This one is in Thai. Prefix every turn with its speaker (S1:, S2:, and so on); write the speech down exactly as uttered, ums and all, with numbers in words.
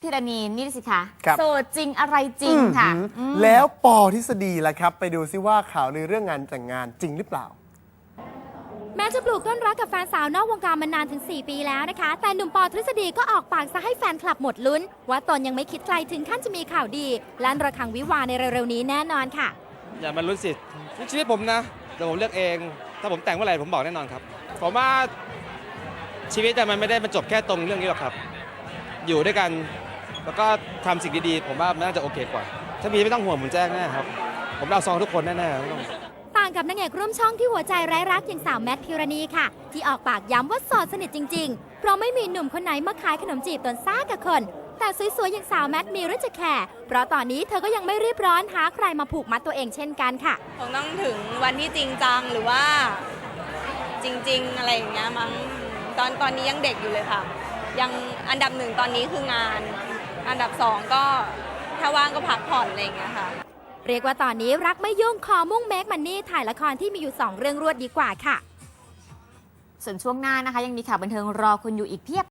S1: ธีรณีนี่สิคะ
S2: ครับ
S1: โสดจริงอะไรจริงค่ะอืม
S2: แล้วปอทฤษฎีล่ะครับ ไปดูซิว่าข่าวลือเรื่องงานแต่งงานจริงหรือเปล่า
S3: แม้จะปลูกต้นรักกับแฟนสาวนอกวงการมานานถึง สี่ ปีแล้วนะคะ แต่หนุ่มปอทฤษฎีก็ออกปากซะให้แฟนคลับหมดลุ้น ว่าตนยังไม่คิดไกลถึงขั้นจะมีข่าวดีลั่นระฆังวิวาห์ในเร็วๆนี้แน่นอนค่ะ
S4: อย่ามาลุ้นสินี่ชีวิตผมนะแต่ผมเลือกเอง ถ้าผมแต่งเมื่อไหร่ผมบอกแน่นอนครับ ผมว่าชีวิตแต่มันไม่ได้มันจบแค่ตรงเรื่องนี้หรอกครับ อยู่ด้วยกันแล้วก็ทำสิ่งดีๆ ผมว่ามันน่าจะโอเคกว่า ถ้ามีไม่ต้องห่วงผมแจ้งแน่ครับ ผมเอาซองทุกคนแน่ๆไม่ต้อง
S3: ต่างกับนางเอกร่วมช่องที่หัวใจไร้รักอย่างสาวแมทพิรณีค่ะ ที่ออกปากย้ำว่าโสดสนิทจริงๆ เพราะไม่มีหนุ่มคนไหนมาขายขนมจีบตนซ่ากับคน แต่สวยๆอย่างสาวแมทมีหรือจะแคร์เพราะตอนนี้เธอก็ยังไม่รีบร้อนหาใครมาผูกมัดตัวเองเช่นกันค่ะ
S5: คงต้องถึงวันที่จริงจังหรือว่าจริง ๆ อะไรอย่างเงี้ยมั้งตอนตอนนี้ยังเด็กอยู่เลยค่ะ ยังอันดับหนึ่งตอนนี้คืองาน อันดับสองก็ถ้าว่างก็พักผ่อนอะไรอย่างเงี้ยค่ะ
S3: เรียกว่าตอนนี้รักไม่ยุ่งคอมุ่งเมคมันนี่ถ่ายละครที่มีอยู่สองเรื่องรวดดีกว่าค่ะ
S1: ส่วนช่วงหน้านะคะ ยังมีข่าวบันเทิงรอคุณอยู่อีกเพียบ